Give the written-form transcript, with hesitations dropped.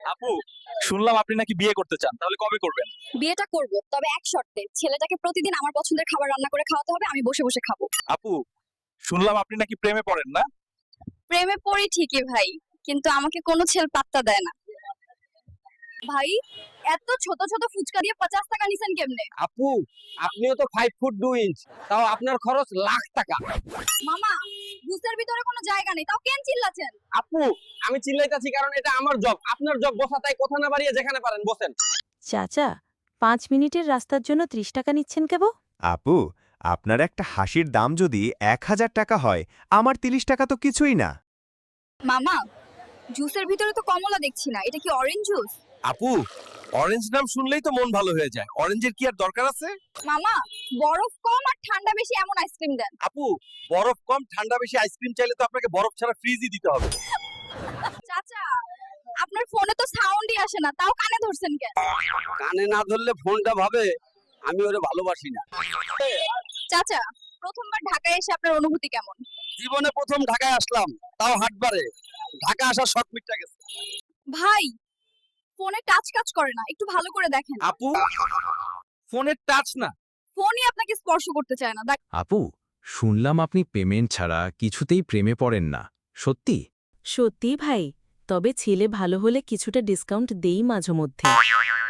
আপু, শুনলাম আপনি নাকি বিয়ে করতে চান, তাহলে কবে করবেন? বিয়েটা করব, তবে এক শর্তে, ছেলেটাকে প্রতিদিন আমার পছন্দের খাবার রান্না করে খাওয়াতে হবে, আমি বসে বসে খাবো। আপু, শুনলাম আপনি নাকি প্রেমে পড়েন না? প্রেমে পড়ি ঠিকই ভাই, কিন্তু আমাকে কোনো ছেলে পাত্তা দেয় না। ভাই, এত ছোট ছোট ফুচকা দিয়ে 50 টাকা নিছেন কেমনে? আপু, আপনিও তো 5 ফুট 2 ইঞ্চ, তাও আপনার খরচ লাখ টাকা। মামা, বুসের ভিতরে কোনো জায়গা নেই, তাও কেন চিল্লাছেন? আপু, আমি চিল্লাইতাছি কারণ এটা আমার জব, আপনার জব বসা, তাই কথা না বাড়িয়ে যেখানে পারেন বসেন। চাচা, 5 মিনিটের রাস্তার জন্য 30 টাকা নিচ্ছেন কেব? আপু, আপনার একটা হাসির দাম যদি 1000 টাকা হয়, আমার 30 টাকা তো কিছুই না। মামা, জুসের ভিতরে তো কমলা দেখছি না, এটা কি অরেঞ্জ জুস? আপু, অরেঞ্জ নাম শুনলেই তো মন ভালো হয়ে যায়। অরেঞ্জের কি আর দরকার আছে? মামা, বরফ কম আর ঠান্ডা বেশি এমন আইসক্রিম দেন। আপু, বরফ কম ঠান্ডা বেশি আইসক্রিম চাইলে তো আপনাকে বরফ ছাড়া ফ্রিজই দিতে হবে। চাচা, আপনার ফোনে তো সাউন্ডই আসে না, তাও কানে ধরছেন কেন? কানে না ধরলে ফোনটা ভাবে আমি ওরে ভালোবাসি না। চাচা, প্রথমবার ঢাকায় এসে আপনার অনুভূতি কেমন? জীবনে প্রথম ঢাকায় আসলাম, তাও হাটবারে। ঢাকা আসার শখ মিটটা গেছে। ভাই, ফোনে টাচ কাজ করে না, একটু ভালো করে দেখেন। আপু, ফোনের টাচ না। ফোনই আপনাকে স্পর্শ করতে চায় না। আপু, শুনলাম আপনি পেমেন্ট ছাড়া কিছুতেই প্রেমে পড়েন না, সত্যি? সত্যি ভাই, তবে ছেলে ভালো হলে কিছুটা ডিসকাউন্ট দেই মাঝে মধ্যে।